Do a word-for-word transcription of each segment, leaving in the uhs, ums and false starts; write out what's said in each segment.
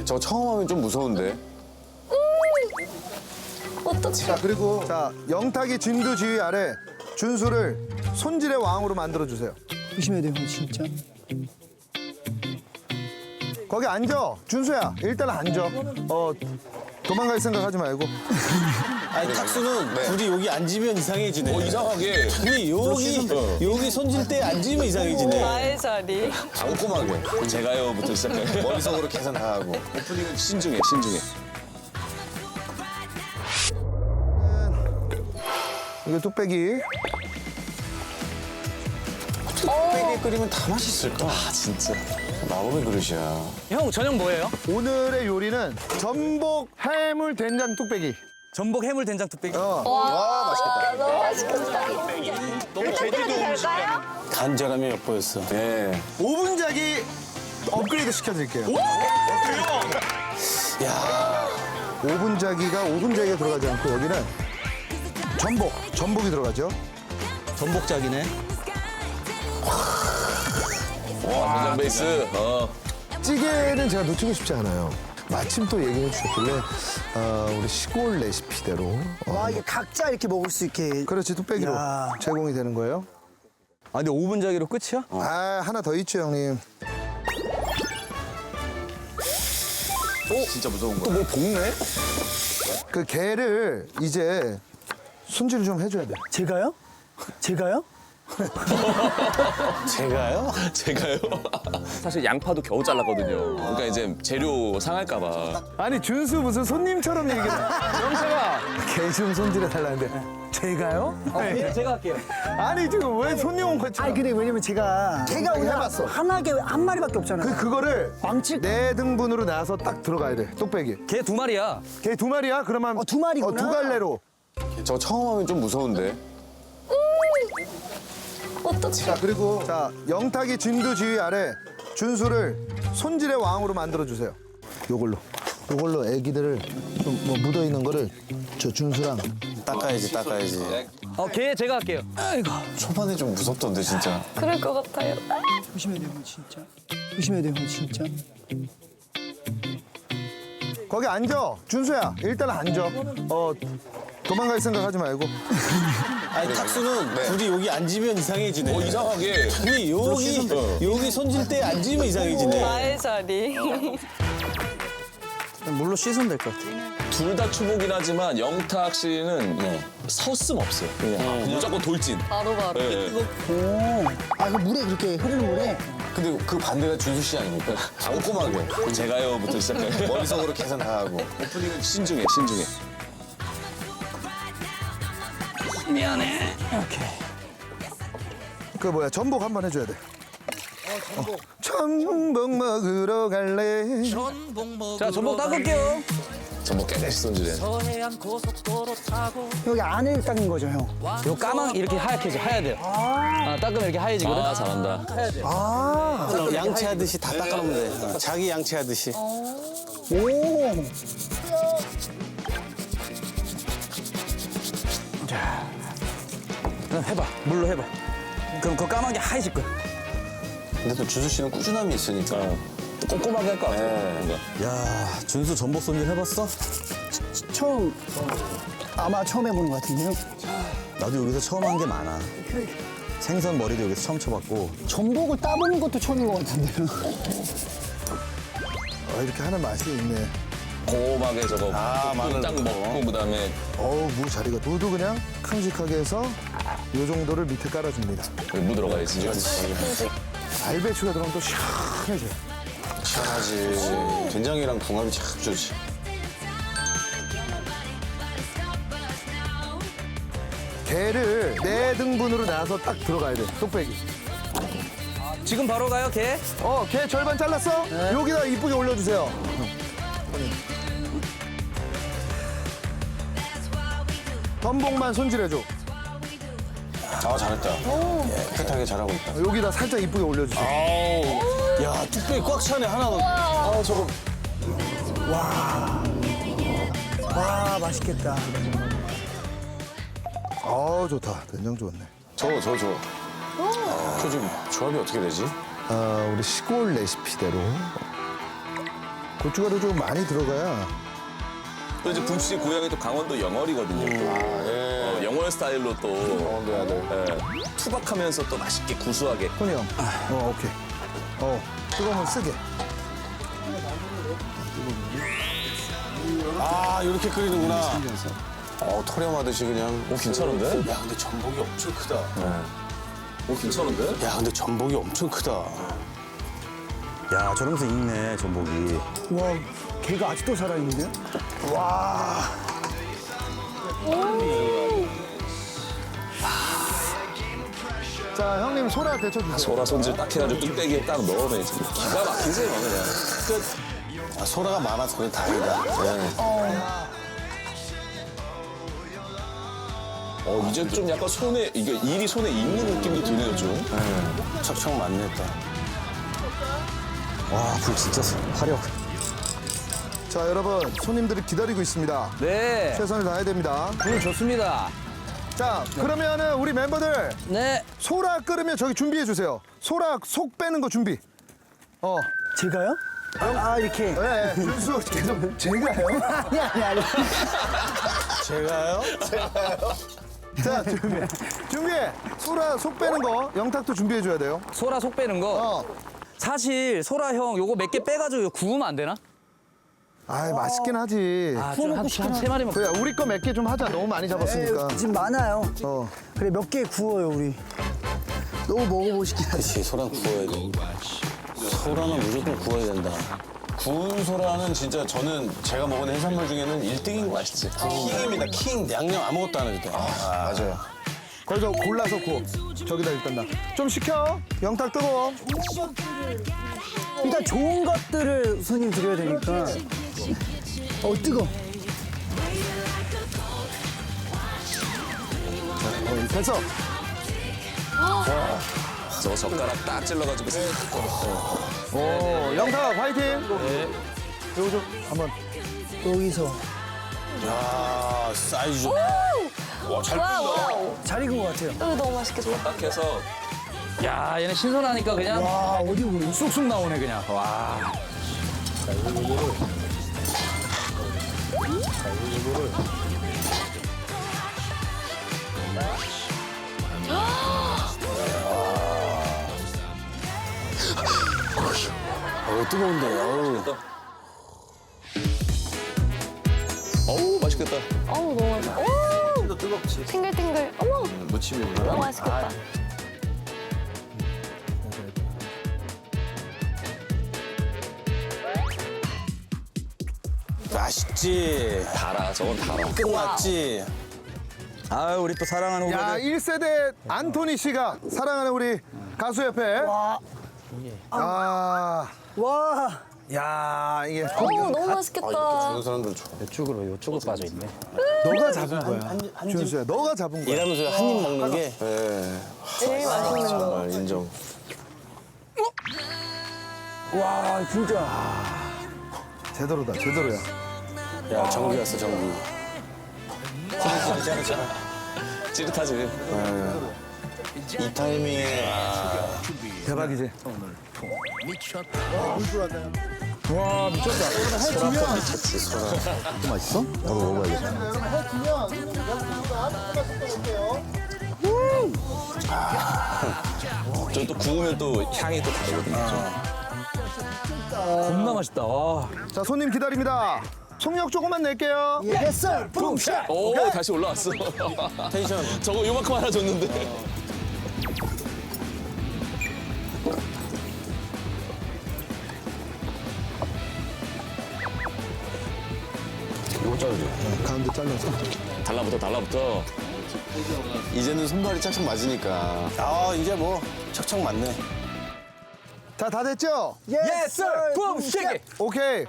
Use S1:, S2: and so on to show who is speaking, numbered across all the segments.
S1: 저 처음 하면 좀 무서운데.
S2: 어떡해.
S3: 자, 그리고 자, 영탁이 진두 지휘 아래 준수를 손질의 왕으로 만들어 주세요.
S4: 조심해야 돼요, 진짜.
S3: 거기 앉아. 준수야, 일단 앉아. 어, 도망갈 생각하지 말고.
S5: 아니 탁수는 둘이 여기 앉으면 이상해지네.
S1: 어, 이상하게.
S5: 아니 여기 여기 손질 때 앉으면 이상해지네.
S2: 나의 자리.
S1: 꼼꼼하게. 제가요부터 시작해.
S5: 머릿속으로 계산하고.
S1: 오프닝은 신중해, 신중해.
S3: 이거 뚝배기.
S5: 뚝배기 끓이면 다 맛있을까?
S1: 아, 진짜.
S5: 마법의 그릇이야.
S6: 형 저녁 뭐예요?
S3: 오늘의 요리는 전복 해물 된장 뚝배기.
S6: 전복 해물 된장 뚝배기.
S3: 어.
S5: 와 맛있겠다.
S2: 너무 맛있겠다. 부탁드려도 될까요?
S5: 간절함이 엿보였어. 네.
S3: 오 분 자기 업그레이드 시켜드릴게요.
S5: 야
S3: 오 분 자기가 오 분 자기가 들어가지 않고 여기는 전복, 전복이 들어가죠.
S6: 전복작이네.
S1: 와, 된장 베이스. 어.
S3: 찌개는 제가 놓치고 싶지 않아요. 마침 또 얘기해 주셨길래 어, 우리 시골 레시피대로 어,
S4: 와, 이게 각자 이렇게 먹을 수 있게.
S3: 그렇지 뚝배기로
S4: 야.
S3: 제공이 되는 거예요.
S6: 아 근데 오 분 자기로 끝이야?
S3: 아 하나 더 있죠 형님.
S1: 진짜 무서운 거야.
S5: 뭐 볶네?
S3: 그 게를 이제 손질을 좀 해줘야 돼.
S4: 제가요? 제가요?
S5: 제가요?
S1: 제가요? 사실 양파도 겨우 잘랐거든요. 그러니까 이제 재료 상할까봐.
S3: 아니 준수 무슨 손님처럼 얘기해. 영차가 게 좀 손질해 달라는데 제가요?
S6: 네, 제가 할게요.
S3: 아니 지금 왜 손님 온 것처럼?
S4: 아니, 근데 왜냐면 제가. 제가 오늘
S3: 해봤어.
S4: 하나게 한 마리밖에 없잖아요.
S3: 그 그거를
S4: 망치.
S3: 네 등분으로 나서 딱 들어가야 돼. 뚝배기.
S6: 걔 두 마리야.
S3: 게 두 마리야? 그러면
S4: 어, 두 마리구나.
S3: 어, 두 갈래로.
S1: 저 처음 하면 좀 무서운데.
S2: 어떡해.
S3: 자, 그리고 자, 영탁이 진두 지휘 아래 준수를 손질의 왕으로 만들어 주세요. 요걸로. 요걸로 애기들을 좀 뭐 묻어 있는 거를 저 준수랑
S5: 닦아야지 닦아야지.
S6: 어, 걔 제가 할게요. 아이고.
S5: 초반에 좀 무섭던데 진짜.
S2: 그럴 것 같아요.
S4: 조심해야 돼요, 진짜. 조심해야 돼요, 진짜.
S3: 거기 앉아. 준수야, 일단 앉아. 어, 도망갈 생각하지 말고.
S5: 아니 탁수는 둘이 여기 앉으면 이상해지네.
S1: 어, 이상하게.
S5: 아니 여기 여기 손질 때 앉으면 이상해지네.
S2: 나의 자리.
S6: 물로 씻으면 될 것 같아.
S1: 둘 다 추보긴 하지만 영탁 씨는 서슴 없어요. 그냥 무조건 돌진.
S2: 바로 바로.
S1: 네.
S4: 오. 아, 그 물에 그렇게 흐르는 물에.
S5: 근데 그 반대가 준수 씨 아닙니까? 꼼꼼하게.
S1: 제가요부터 시작해.
S5: 머릿속으로 계산하고.
S1: 오프닝은 신중해, 신중해.
S6: 미안해. 오케이.
S3: 그 뭐야, 전복 한번 해줘야 돼. 어, 전복 먹으러 갈래.
S6: 자 전복 닦을게요.
S1: 전복 깨끗이 손질해.
S4: 여기 안에 닦는 거죠, 형.
S6: 요 까망 이렇게 하얗게 하야 돼요. 아, 닦으면 이렇게 하얘지거든.
S1: 아, 잘한다.
S4: 아.
S5: 양치하듯이 다 닦아놓으면 돼. 자기 양치하듯이.
S4: 오.
S6: 그럼 해봐. 물로 해봐. 그럼 그 까만 게 하얘질 거야.
S5: 근데 또 준수 씨는 꾸준함이 있으니까.
S1: 또 꼼꼼하게 할 것 같아.
S5: 네.
S1: 뭔가.
S6: 야 준수 전복 손질 해봤어?
S4: 처음, 아마 처음 해보는 것 같은데요.
S7: 나도 여기서 처음 한 게 많아. 생선 머리도 여기서 처음 쳐봤고.
S4: 전복을 따보는 것도 처음인 것 같은데요.
S3: 어, 이렇게 하는 맛이 있네.
S1: 고막에 저거
S5: 아, 마늘
S1: 딱
S5: 넣고.
S1: 먹고 그다음에
S3: 어우, 무 자리가 무도 그냥 큼직하게 해서 요 정도를 밑에 깔아줍니다.
S1: 무 들어가야지.
S3: 알배추가 들어가면 또 시원해져요.
S5: 시원하지. 된장이랑 궁합이 참 좋지.
S3: 게를 네 등분으로 나서 딱 들어가야 돼. 뚝배기.
S6: 지금 바로 가요 걔?
S3: 어, 게 절반 잘랐어? 여기다 이쁘게 올려주세요. 전복만 손질해줘.
S5: 아 잘했다. 깨끗하게 잘하고 있다.
S3: 여기다 살짝 이쁘게 올려주세요.
S5: 아우. 야 뚝배기 꽉 차네 하나 더. 아 저거.
S4: 와, 맛있겠다.
S3: 아 좋다. 된장 좋네.
S5: 저거 저거 저거. 저 지금 조합이 어떻게 되지?
S3: 아, 우리 시골 레시피대로 고춧가루 좀 많이 들어가야.
S1: 또 이제 붐 씨 고향이 또 강원도 영월이거든요. 또. 어, 영월 스타일로 또 강원도 아들. 예, 투박하면서 또 맛있게 구수하게.
S3: 토니 형. 어, 오케이. 어, 뜨거우면 쓰게.
S5: 아, 이렇게 끓이는구나. 어, 토렴하듯이 그냥.
S1: 오 괜찮은데?
S5: 야, 근데 전복이 엄청 크다.
S1: 오 괜찮은데?
S5: 야, 근데 전복이 엄청 크다.
S7: 야, 저러면서 익네, 전복이.
S4: 와, 걔가 아직도 살아있는데요? 와.
S3: 자, 형님 소라 데쳐주세요.
S1: 소라 손질 딱 해가지고 뚝배기에 딱 넣으면 이제 기가 막히세요 그냥. 끝.
S5: 아, 소라가 많아서 그래 다행이다.
S1: 어 이제 좀 약간 손에 이게 일이 손에 익는 느낌도 드네요 좀.
S5: 척척 맞네, 또.
S7: 와, 불 진짜 화력.
S3: 자, 여러분 손님들이 기다리고 있습니다.
S6: 네.
S3: 최선을 다해야 됩니다.
S6: 오늘 좋습니다.
S3: 자, 그러면은 우리 멤버들
S6: 네.
S3: 소라 끓으면 저기 준비해 주세요. 소라 속 빼는 거 준비. 어.
S4: 제가요? 아, 이렇게.
S3: 네, 준수 계속 제가요?
S4: 아니, 아니, 아니.
S5: 제가요?
S3: 자, 준비. 준비해. 소라 속 빼는 거 영탁도 준비해 줘야 돼요.
S6: 소라 속 빼는 거.
S3: 어.
S6: 사실 소라 형 요거 몇 개 빼가지고 이거 구우면 안 되나?
S3: 아, 맛있긴 하지.
S6: 아, 좀한세 마리만.
S3: 그래, 우리 거 몇 개 좀 하자. 너무 많이 잡았으니까.
S4: 지금 많아요.
S3: 어.
S4: 그래, 몇 개 구워요, 우리. 너무 먹어보고 싶긴 하지.
S5: 그렇지, 소라는 구워야 돼. 소라는 무조건 구워야 된다. 구운 소라는 진짜 저는 제가 먹은 해산물 중에는 일 등인 거 아시지? 킹입니다, 킹. 양념 아무것도 안 해도 돼. 아, 맞아요.
S3: 거기서 골라서 구워. 저기다 일단 나. 좀 식혀. 영탁 뜨거워.
S4: 일단 좋은 것들을 손님 드려야 되니까. 어, 뜨거.
S3: 어, 됐어.
S1: 저 젓가락 딱 찔러가지고.
S3: 오, 영탁 화이팅. 네. 요거 좀 한번.
S4: 여기서.
S5: 야, 사이즈 좋다.
S1: 와잘
S2: 와우, 와우.
S4: 잘 익은 것 같아요.
S2: 여기 너무 맛있겠다.
S1: 딱 해서
S6: 야, 얘네 신선하니까 그냥
S4: 와, 어디 보면.
S6: 쑥쑥 나오네 그냥. 와.
S5: 어, 뜨거운데. 어우.
S1: 어우 맛있겠다.
S2: 어우, 너무 맛있다. 오!
S5: 뜨겁지.
S2: 탱글탱글. 어머,
S1: 무침이구나.
S2: 너무 맛있겠다.
S5: 맛있지.
S1: 달아 저건 달아.
S5: 끝났지.
S7: 아, 우리 또 사랑하는
S3: 야,
S7: 후배들.
S3: 일 세대 안토니 씨가 사랑하는 우리 가수 옆에.
S4: 와.
S3: 아,
S4: 와.
S3: 야, 이게
S2: 어우, 너무 맛있겠다.
S5: 그런 사람들 좋아.
S6: 이쪽으로 이쪽으로 빠져 있네.
S3: 너가 잡은 거야. 준수야, 너가 잡은 거야.
S5: 일하면서 한 입 먹는 게.
S2: 제일 맛있는 거.
S5: 정말 인정.
S4: 와, 진짜.
S3: 제대로다, 제대로야.
S5: 야, 정기 왔어, 정기.
S1: 찌릿하지.
S5: 이 타이밍에.
S3: 대박이지.
S6: 와, 미쳤다.
S7: 또 맛있어? 나도 먹어봐야겠다.
S1: 저 또 구우면 또 향이 또 다르거든요.
S6: 겁나 맛있다. 와.
S3: 자, 손님 기다립니다. 속력 조금만 낼게요.
S4: 예스, 붐샷.
S1: 오 다시 올라왔어.
S5: 텐션.
S1: 저거 요만큼 하나 줬는데.
S5: 이거 자르지.
S3: 가운데 잘라서.
S1: 달라붙어 달라붙어.
S5: 이제는 손발이 짝짝 맞으니까. 아, 이제 뭐 척척 맞네.
S3: 자, 다 됐죠?
S4: 예스,
S6: 붐쉐기.
S3: 오케이.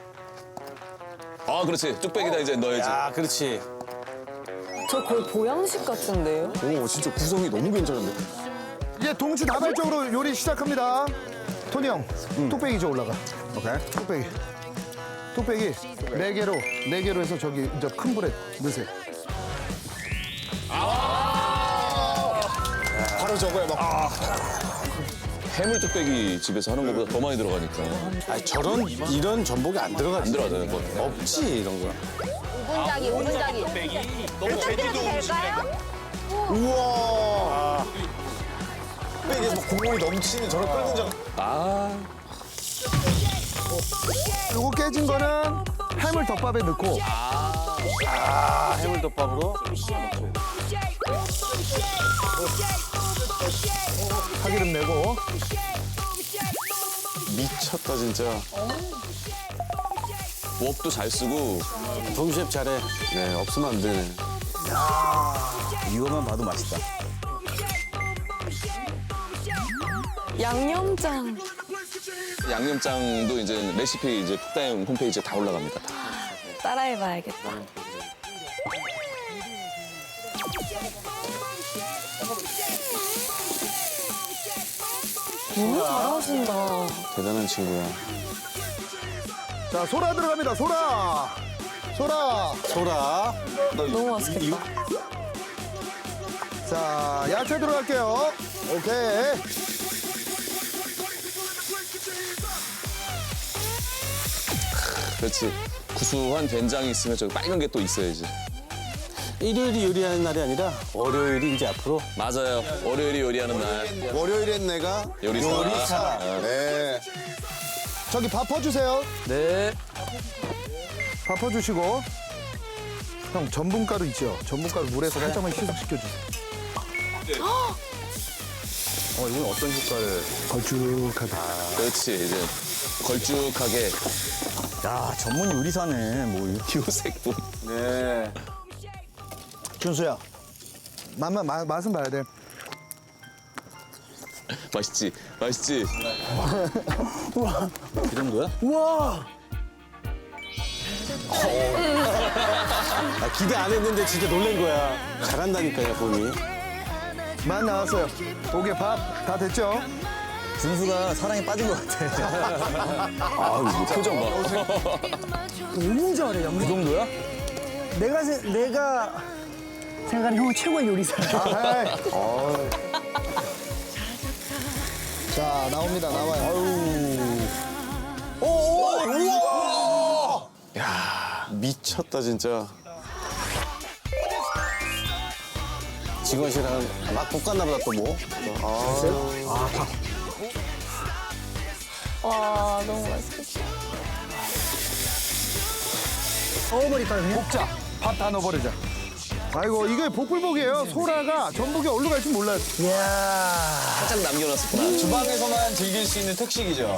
S1: 아 그렇지 뚝배기다 이제 넣어야지.
S5: 야, 그렇지.
S2: 저 거의 보양식 같은데요?
S1: 오 진짜 구성이 너무 괜찮은데.
S3: 이제 동시다발적으로 요리 시작합니다. 토니 형, 뚝배기 저 올라가.
S5: 오케이.
S3: 뚝배기. 뚝배기 네 개로 네 개로 해서 저기 이제 큰 불에 넣으세요.
S5: 바로 저거야, 막.
S1: 해물 뚝배기 집에서 하는 것보다 더 많이 들어가니까.
S5: 아니 저런 이런 전복이 안 들어가지.
S1: 안 들어가잖아요, 그거.
S5: 없지 이런 거.
S8: 오분짜기, 오분짜기. 부탁드려도 될까요?
S5: 우와. 뚝배기에서 막 국물이 넘치는 저런 끓는 장.
S1: 아,
S3: 요거 깨진 거는 해물 덮밥에 넣고
S5: 아 해물덮밥으로.
S3: 파기름 내고
S5: 미쳤다 진짜.
S1: 웍도 잘 쓰고.
S5: 동셰프 잘해. 네 없으면 안 되네.
S7: 이거만 봐도 맛있다.
S2: 양념장.
S1: 양념장도 이제 레시피 이제 푹다임 홈페이지에 다 올라갑니다. 다.
S2: 따라해봐야겠다. 너무 잘하신다.
S5: 대단한 친구야.
S3: 자 소라 들어갑니다. 소라 소라
S5: 소라.
S2: 너무 맛있겠다.
S3: 자 야채 들어갈게요. 오케이.
S1: 그렇지. 구수한 된장이 있으면 저기 빨간 게 또 있어야지.
S5: 일요일이 요리하는 날이 아니라 월요일이 이제 앞으로.
S1: 맞아요. 월요일이 요리하는 날.
S5: 월요일엔 내가
S1: 요리사.
S5: 요리사. 네.
S3: 저기 밥 퍼주세요.
S6: 네.
S3: 밥 퍼주시고 형 전분가루 있죠? 전분가루 물에서 살짝만 희석시켜주세요.
S7: 어, 이건 어떤 효과를?
S3: 걸쭉하다.
S1: 그렇지. 이제 걸쭉하게
S7: 야, 전문 요리사네. 뭐 이렇게.
S1: 요색도.
S5: 네.
S3: 준수야 맛만 마- 맛은 봐야 돼.
S1: 맛있지? 맛있지?
S7: 이 정도야?
S5: 아, 기대 안 했는데 진짜 놀란 거야. 잘한다니까요 본이.
S3: 맛 나왔어요. 오케이 밥 다 됐죠?
S7: 준수가 사랑에 빠진 것 같아.
S1: 아, 이거 표정 봐.
S4: 너무 잘해, 양
S7: 이 정도야?
S4: 내가, 세, 내가 생각하는 형은 최고의 요리사야.
S3: 아이. 어이. 자 나옵니다. 나와요.
S5: 미쳤다 진짜. 직원 씨랑 막 볶았나 보다 또 뭐.
S2: 와, 너무 맛있겠다.
S4: 넣어버릴까요,
S3: 볶자. 밥 다 넣어버리자. 아이고 이게 복불복이에요. 소라가 전복이 어디로 갈지 몰라요.
S4: 이야.
S1: 살짝 남겨놨었구나.
S5: 주방에서만 즐길 수 있는 특식이죠.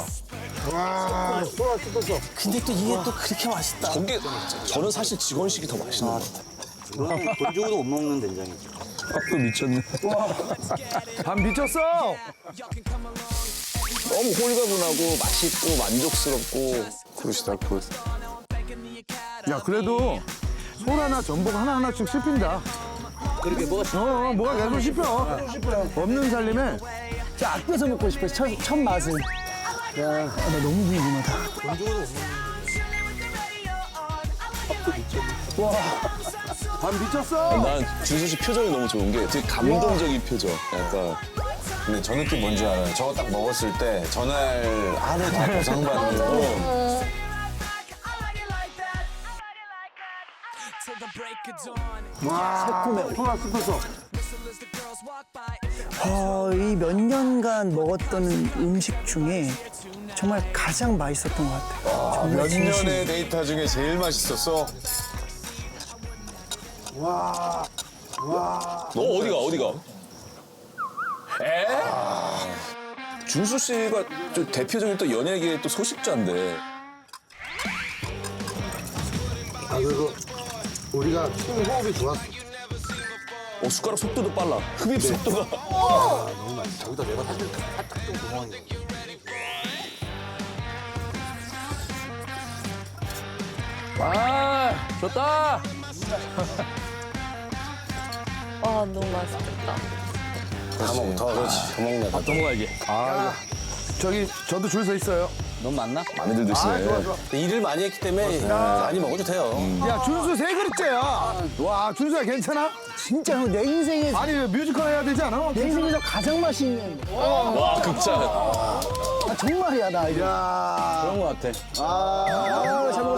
S4: 근데 또 이게 또 그렇게 맛있다.
S1: 저게 저는 사실 직원식이 더 맛있는 것 같아요.
S7: 돈 주고도 못 먹는 된장이지.
S6: 밥도 미쳤네.
S3: 밥 미쳤어.
S1: 너무 홀가분하고 맛있고 만족스럽고.
S5: 굿이다 굿.
S3: 야 그래도 소라나 전복 하나 하나씩 씹힌다.
S6: 그렇게 뭐가
S3: 어, 어 뭐가 계속 씹혀. 없는 살림에
S4: 진짜 아껴서 먹고 싶어, 첫, 첫 맛은. 야, 아, 나 너무 궁금하다.
S3: 밥 미쳤어.
S1: 난 준수 씨 표정이 너무 좋은 게 되게 감동적인 표정. 약간
S5: 근데 저 느낌 뭔지 알아요? 저거 딱 먹었을 때 전날 하루 다 보상받는
S4: 새콤해. 소라 씹혔어. 아, 이 몇 년간 먹었던 음식 중에 정말 가장 맛있었던 것 같아요. 정말
S5: 몇
S4: 진심.
S5: 년의 데이터 중에 제일 맛있었어.
S1: 너 어디가 어디가? 에? 준수 씨가 좀 대표적인 또 연예계의 또 소식자인데.
S3: 아 그리고 우리가 호흡이 좋았어.
S1: 어, 숟가락 속도도 빨라. 흡입 속도가.
S6: 아, 좋다.
S2: 와, 너무 맛있겠다.
S5: 다 먹, 더 그렇지. 더 먹네.
S6: 또 먹어야지.
S3: 저기 저도 줄 서 있어요.
S6: 넌 맞나?
S1: 많이들 드시네.
S3: 아, 좋아, 좋아.
S5: 일을 많이 했기 때문에 많이 먹어도 돼요.
S3: 야, 준수 세 그릇째야. 와, 준수야, 괜찮아?
S4: 진짜 형, 내 인생에
S3: 아니, 뮤지컬 해야 되지 않아?
S4: 내 인생에서 가장 맛있는.
S1: 와, 극찬.
S4: 아, 정말이야 나 이거.
S3: 야,
S6: 그런 거 같아.
S3: 아,
S4: 아, 잘 먹었습니다.